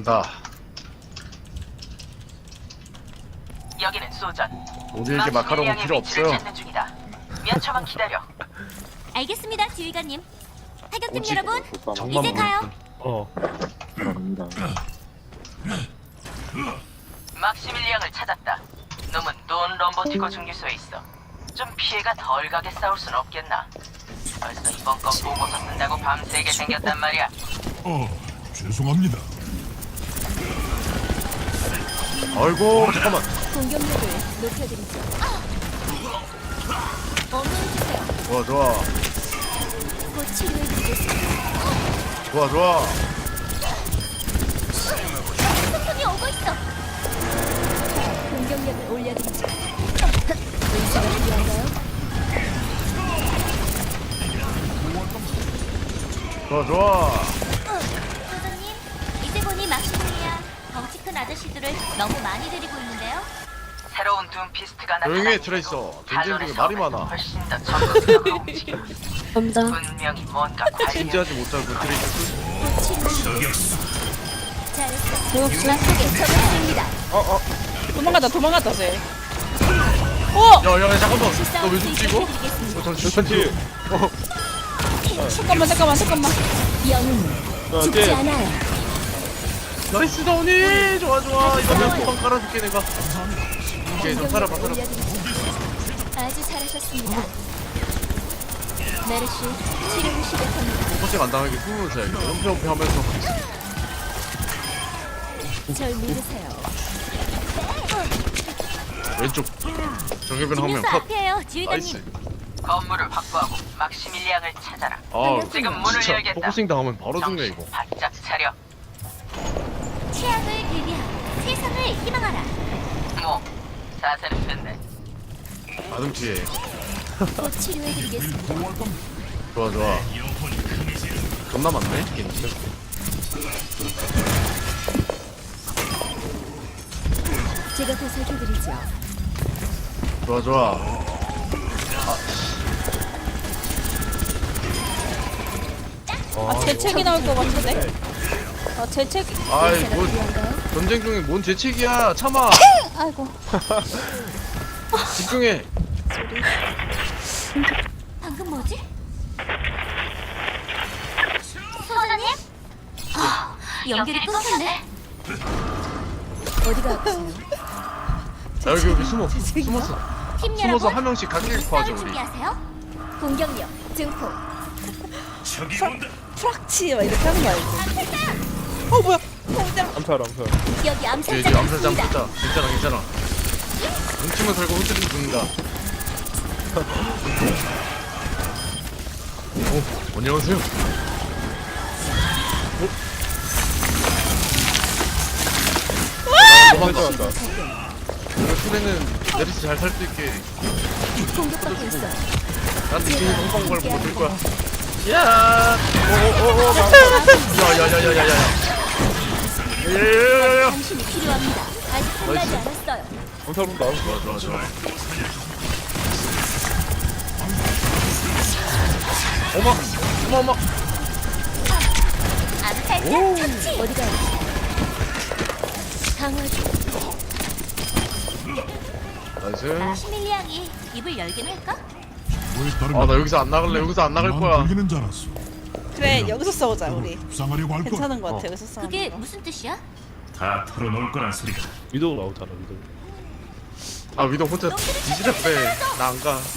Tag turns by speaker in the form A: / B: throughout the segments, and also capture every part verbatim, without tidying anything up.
A: 간다.
B: 여기는 소전.
A: 우리에게 마카롱은 필요 없어요.
B: 몇 초만 기다려.
C: 알겠습니다, 지휘관님. 타격팀
A: 오직
C: 여러분,
A: 정말
C: 이제 가요.
A: 어.
D: 갑니다.
B: 막시밀리앙을 찾았다. 놈은 돈 럼버티고 중기소에 있어. 좀 피해가 덜 가게 싸울 순 없겠나? 벌써 이번 건 보고서 쓴다고 밤새게 생겼단 말이야.
E: 어, 죄송합니다.
A: 아이고 잠깐만.
C: 공격력을 높여드리죠. 어머해주세요.
A: 좋아 좋아
C: 곧 치료해드리겠습니다.
A: 좋아 좋아.
C: 소통이 오고 있어. 공격력을 올려드리죠. 의사가 필요한가요?
A: 좋아 좋아.
C: 소장님, 이제 보니 막시밀리아 덩치 큰 아저씨들을 너무 많이 데리고 있는데요.
B: 새로운 둠피스트가 나타나.
A: 조용히 해 트레이서. 전쟁 중에 말이 많아.
B: 훨씬 더 적극적으로 움직여.
C: 검장.
B: 분명히 뭔가 관련.
A: 진지하지 못하고 트레이서.
C: 곧 치료해. 잘했어. 막속에 적응됩니다.
A: 어어.
F: 도망갔다 도망갔다 쟤. 어!
A: 야야 잠깐만. 너 왜 죽지 이거? 어 잠시 잠시. 어.
F: 잠깐만 잠깐만 잠깐만.
C: 영웅은 죽지 않아요.
A: 나이스 다운이. 좋아 좋아. 이거 내가 소방 깔아줄게 내가. 오케이 좀 살아봐 살아봐.
C: 아주 잘하셨습니다. 메르시 치료를 시작합니다.
A: 포커싱 안 당하게 숨으면 자야겠다. 연패 연패 하면서.
C: 절 믿으세요.
A: 왼쪽. 정해변 화면
C: 김유수
A: 컷.
C: 앞이에요,
A: 나이스.
C: 지휘관님.
B: 건물을 확보하고 막시밀리앙을 찾아라.
A: 아
B: 지금 문을
A: 진짜
B: 열겠다.
A: 포커싱 당하면 바로 죽네
B: 정신
A: 이거.
B: 바짝 차려.
C: 취향을 대비하고 세상을 희망하라.
B: 뭐 사세는 됐네.
A: 아등치에.
C: 곧 치료해드리겠습니다.
A: 좋아 좋아. 겁나 많네. 괜찮.
C: 제가 보살펴드리죠.
A: 좋아 좋아.
F: 아 재채기 나올 것 같은데? 아 재채기.
A: 아이
C: 의사가
A: 뭐
C: 필요한가요?
A: 전쟁 중에 뭔 재채기야. 참아.
F: 아이고.
A: 집중해.
C: 방금 뭐지? 소장님? 아, 연결이 끊겼네. 어디가 아프세요?
A: 야, 여기 여기 숨어. 숨었어.
C: 팀
A: 숨어서
C: 여러분,
A: 한 명씩 각길
C: 싸울
A: 구하죠 우리.
C: 준비하세요. 공격력 증폭.
E: 저기 온다.
F: 프락치 막 이렇게 하는 거 알지? 어 뭐야? 공장.
D: 암살 암살.
C: 여기
A: 뒤에
C: 암살자
A: 뒤에 암살자
C: 있습니다.
A: 암살자. 괜찮아 괜찮아. 뭉치면 살고 흩어지면 죽는다. 오 안녕하세요. 오. 도망가. 이거 수레는 내리시 잘 살 수 있게.
C: 공격받고 있어.
A: 나한테 뒤에 뻥뻥 걸고 못들 거야. 야. 오오오오. 야야야야야야. 야야야야.
C: 당신이 필요합니다. 아직 끝나지 않았어요.
D: 암살로 나올
A: 좋아 좋아 좋아. 어머 어머 어머.
C: 암살자 처치. 어디가 아프세요? 강화 중.
A: 나이스.
C: 시밀리앙이 입을 열긴 할까?
E: 왜 다른
A: 아 나 여기서 안 나갈래. 여기서 안 나갈 거야.
E: 들리는 줄 알았어.
F: 그래 여기서 싸우자 우리.
E: 불쌍하려고 할 거.
F: 괜찮은 것 같아
A: 어.
F: 여기서 싸우는
C: 그게
F: 거.
C: 무슨 뜻이야?
E: 다 털어놓을 거란 소리가.
D: 위도우 나오잖아 위도우.
A: 아 위도 혼자 뒤지랬대. 나 안 가.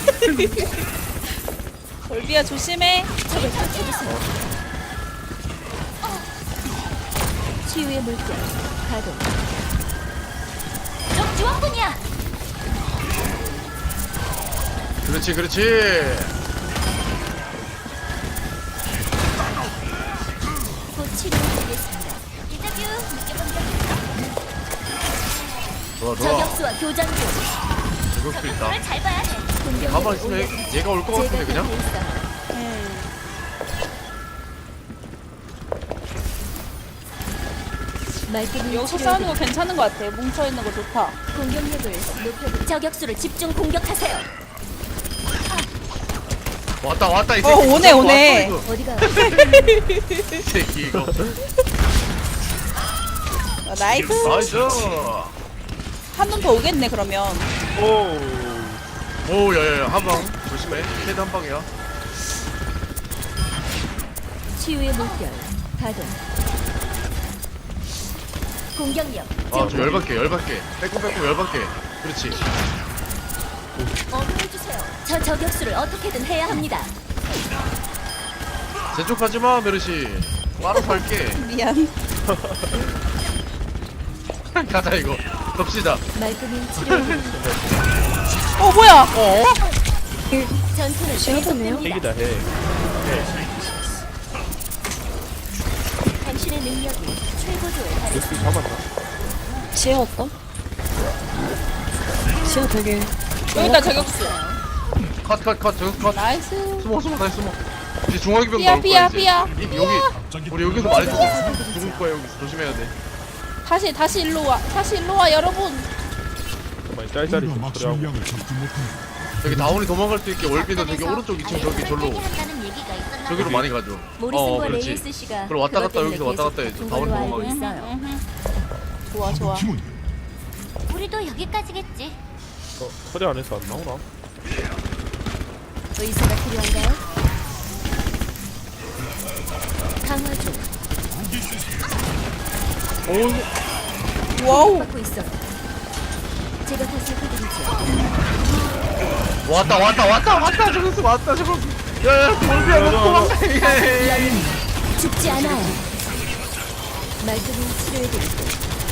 F: 올비야 조심해.
C: 적을 쫓아주세요. 치유의 물결 가동. 적 지원군이야.
A: 그렇지 그렇지.
C: 곧 치료해드리겠습니다. 인터뷰 느껴본 적 있어?
A: 좋아 좋아.
C: 저격수와 교전 중.
A: 저격수 있다.
C: 저격수를 잘 봐야 해. 공격력을
A: 가만 있으면
C: 올려드리죠.
A: 얘가 올 것 같은데
C: 제가
A: 그냥.
C: 곁에 있어요.
F: 음.
C: 말끔히
F: 여기서
C: 치료해드리죠.
F: 싸우는 거 괜찮은 것 같아. 뭉쳐 있는 거 좋다.
C: 공격력을 높여드리. 저격수를 집중 공격하세요.
A: 왔다 왔다 이 새끼.
F: 어, 오네,
A: 왔어,
F: 오네.
A: 왔어, 이거.
C: 어디가?
A: 이 새끼 이거.
F: 어, 나이스.
A: 나이스.
F: 한 놈 더 오겠네 그러면.
D: 오.
A: 오, 야야야, 한 방. 조심해. 헤드 한 방이야.
C: 치유의 물결 가동. 공격력
A: 아, 저 열받게, 열받게. 빼꼼 빼꼼 열받게. 그렇지.
C: 어머해주세요. 저 저격수를 어떻게든 해야 합니다.
A: 제쪽하지 마, 메르시. 알아서 할게.
F: 미안.
A: 가자 이거. 덮시다.
C: 말끔히 치료해.
F: 어 뭐야?
A: 어?
C: 전투는 계속됩니다.
D: 핵이다 핵.
C: 당신의 능력이 최고조에 달해.
D: 역시 잡았나?
G: 지혜 어떤? 지혜 되게
F: 여기다 저격수.
A: 컷, 컷, 컷. 저기 컷.
F: 나이스.
A: 숨어, 숨어, 다시 숨어. 이제 중화기병
F: 삐야,
A: 나올 거야,
F: 삐야,
A: 이제.
F: 삐야.
A: 이, 여기. 우리 여기서 많이 죽어. 죽을 거야, 여기서. 조심해야 돼.
F: 다시 다시 일로 와. 다시 일로 와 여러분.
D: 정말 짤짤이
E: 우리가
D: 좀 처리하고.
E: 막심량을 잡지 못하니
A: 저기 다운이 도망갈 수 있게 월비도 저기 오른쪽 이 층 저기 절로.
C: 한다는 얘기가 있었나
A: 저기로 많이 가죠. 어,
C: 모리슨과
A: 그렇지.
C: 레이스 씨가
A: 그럼 왔다 갔다
C: 그것
A: 여기서 왔다 갔다
C: 때문에
A: 해줘.
C: 계속
A: 다운이
C: 다툰 걸로 알고
A: 도망가게.
C: 있어요.
F: 좋아 좋아.
E: 팀원
C: 우리도 여기까지겠지.
D: 어, 처리 안 해서 안 나오나?
C: 의사가 필요한가요? 강화 중.
A: 오,
F: 와우.
C: 받고 있어요. 제가 더 살펴드리죠.
A: 왔다, 왔다, 왔다, 왔다. 저기서 왔다, 저거. 야야, 월비야, 너 도망가. 예.
C: 영웅 죽지 않아요. 말끔히 치료해드릴게요.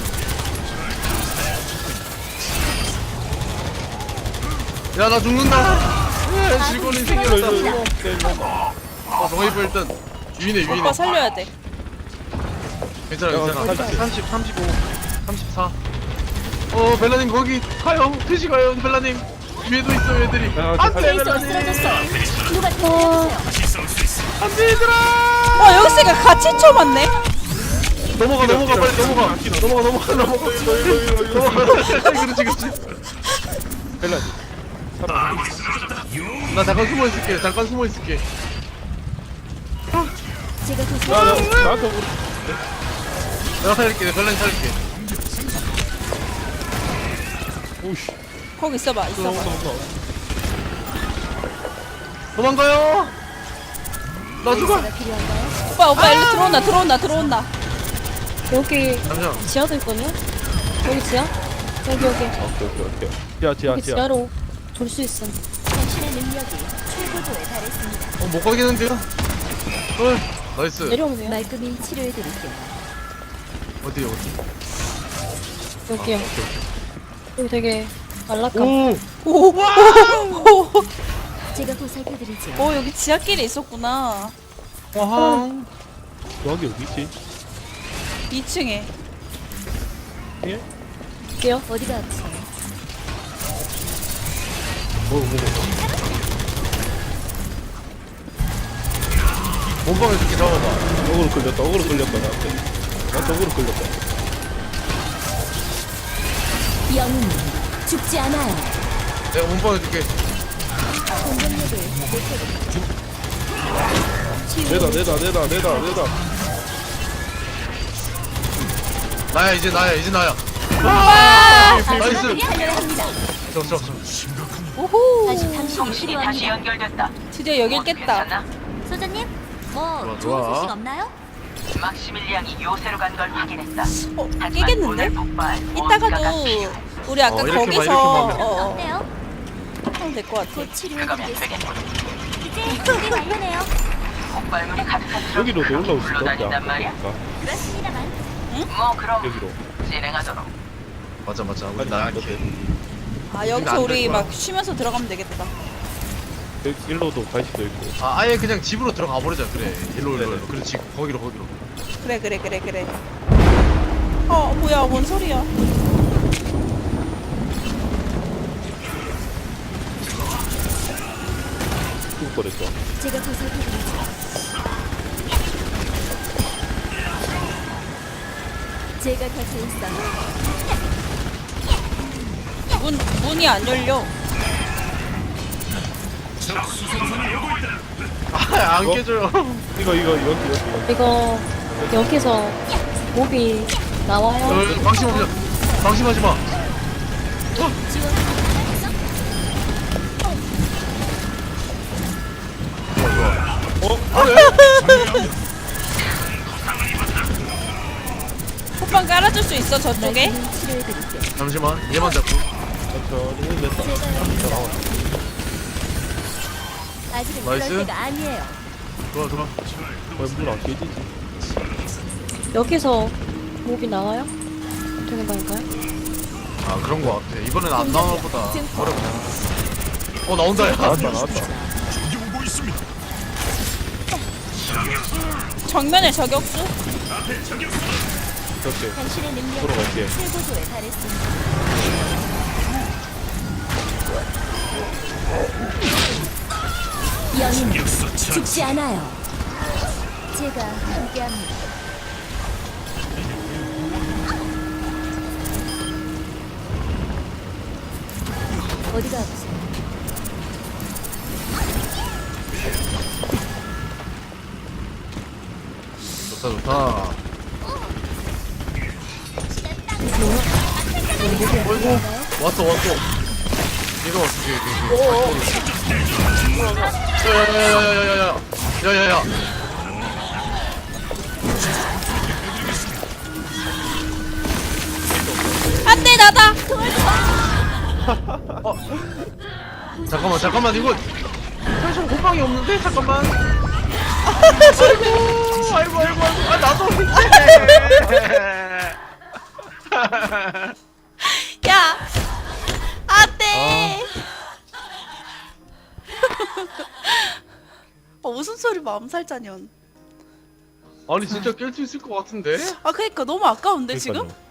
A: 야, 나 죽는다. 예, 즐거운 인생이었다.
C: 쓰러졌습니다.
A: 어, 정해보 일단 위네, 위네.
F: 오빠 살려야 돼.
A: 괜찮아,
D: 야,
A: 괜찮아.
D: 삼십.
A: 삼십, 삼십오, 삼십사. 어, 벨라님 거기 가요. 드시 가요, 벨라님. 위에도 있어, 얘들이.
D: 야,
A: 안돼,
C: 트레이서가
A: 벨라님.
C: 쓰러졌어. 누가 대피해주세요.
A: 안돼, 얘들아.
F: 와 여기 있으니까 같이 쳐맞네.
A: 넘어가, 넘어가, 빨리 넘어가. 넘어가, 넘어가, 넘어가. 넘어가. 그렇지, 그렇지.
D: 벨라니. 살아.
A: 나 잠깐 숨어 있을게. 잠깐 숨어 있을게.
C: 제가 더
D: 야, 나
C: 살펴드릴게요.
D: 나한테 오고.
A: 내가 살릴게. 벨라님 살릴게.
D: 오씨.
F: 거기 있어봐
D: 또
F: 있어봐.
D: 나온다 나온다.
A: 도망가요. 나 죽어.
C: 의사가 필요한가요?
F: 오빠 오빠 일로 들어온다 들어온다 들어온다.
G: 여기
A: 잠시만.
G: 지하도 있거든요? 여기 지하? 여기 여기
D: 오케이 오케이 오케이. 지하 지하
G: 여기
D: 지하.
G: 지하로 돌 수 있음.
C: 당신의 능력이 최고조에 달했습니다.
A: 어, 못 가겠는데요? 어, 나이스.
G: 내려오면 돼요?
C: 말끔히 치료해드릴게요.
A: 어디, 어디?
G: 여기요. 여기 되게 안락함.
A: 오!
F: 오. 오.
C: 제가 보살펴드리죠.
F: 오 여기 지하길에 있었구나.
A: 와항.
D: 여기 어디 있지?
F: 이 층에.
D: 예?
G: 여기요?
C: 어디가 아프세요?
D: 뭐 뭐.
A: 몸빵에 이렇게 잡아봐.
D: 어그로 끌렸다. 어그로 끌렸다 나한테. 나한테 어그로 끌렸다.
C: 영웅 죽지 않아요.
A: 내가 몸빵에 이렇게.
C: 공격력을 높여드리죠.
D: 내다 내다 내다 내다 내다.
A: 나야, 이제 나야, 이제 나야. 나이스.
C: 아주머니 하려야 합니다.
A: 저, 저, 저.
F: 오호.
C: 다시 당신이
B: 통신이 다시
C: 필요합니다.
B: 연결됐다.
F: 드디어 여길
B: 모두
F: 깼다.
B: 괜찮나?
C: 소장님, 뭐
A: 좋아,
C: 좋은
A: 좋아.
C: 소식 없나요?
B: 막시밀리앙이 요새로 간 걸 확인했다.
F: 어
B: 하지만
F: 깨겠는데?
B: 오늘 폭발 뭔가가
F: 이따가도
B: 필요해.
F: 우리 아까
A: 어, 이렇게 막,
F: 거기서
A: 이렇게 막 하면.
F: 어, 어,
C: 어때요?
F: 하면 될 것 같아.
C: 곧
B: 그거면
C: 치료해드리겠습니다.
B: 되겠군.
C: 이제 준비 완료네요.
B: 폭발물이 가득한 트럭이
D: 여기로 올라올 수 있다.
B: 굴러다닌단 말이야.
C: 그렇습니다만
B: 뭐 그럼
D: 여기로.
B: 진행하도록.
A: 맞아, 맞아. 우리
D: 아니
A: 나야.
D: 나한테.
F: 아 여기서
A: 안될
F: 우리
A: 거야.
F: 막 쉬면서 들어가면 되겠다.
D: 여기 일로도 갈 수도 있고.
A: 아, 아예 그냥 집으로 들어가 버리자. 그래. 일로, 일로, 일로. 그렇지. 거기로, 거기로.
F: 그래 그래 그래 그래. 어 뭐야 뭔 소리야?
D: 죽을 뻔했어.
C: 제가 보살펴드리죠. 제가 곁에 있어요.
F: 문 문이 안 열려.
A: 아, 안
D: 어?
A: 깨져요.
D: 이거 이거 여기 여기 여기.
G: 이거 여기서 몹이 나와요.
A: 어, 방심하지 방심하지 마.
F: 호빵 깔아줄 수 있어 저쪽에?
A: 잠시만 얘만 잡고.
D: 천천히 됐다. 자, 나와.
C: 아직은
A: 나이스.
C: 그럴 때가 아니에요.
A: 좋아 좋아.
D: 물안 깨지지.
G: 여기서 몹이 나와요? 되는 거니까요?
A: 아 그런 거 같아. 이번엔 안 나오나 보다. 어렵네. 어 나온다 야.
D: 나왔다 나왔다.
E: 적이 오고 있습니다.
F: 정면에 저격수?
D: 이렇게
C: 당신의 능력은
D: 돌아갈게.
C: 최고조에 달했습니다. 영웅
E: 역사 차.
C: 죽지 않아요. 제가 함께합니다. 어디가 아프세요?
A: 좋다 좋다. 어이구 왔어 왔어. 얘가 왔어 뒤에 뒤에 뒤에. 야야야야야야야. 야야야.
F: 안돼 나다!
A: 잠깐만 잠깐만 이거 사실 호빵이 없는데 잠깐만. 아이고 아이고 아이고 아이고 아 나도
F: 야! 안돼!
H: 어, 웃음소리 마음살자년.
A: 아니 진짜 깰 수 있을 것 같은데?
H: 아 그니까 너무 아까운데 지금?
D: 그러니까요.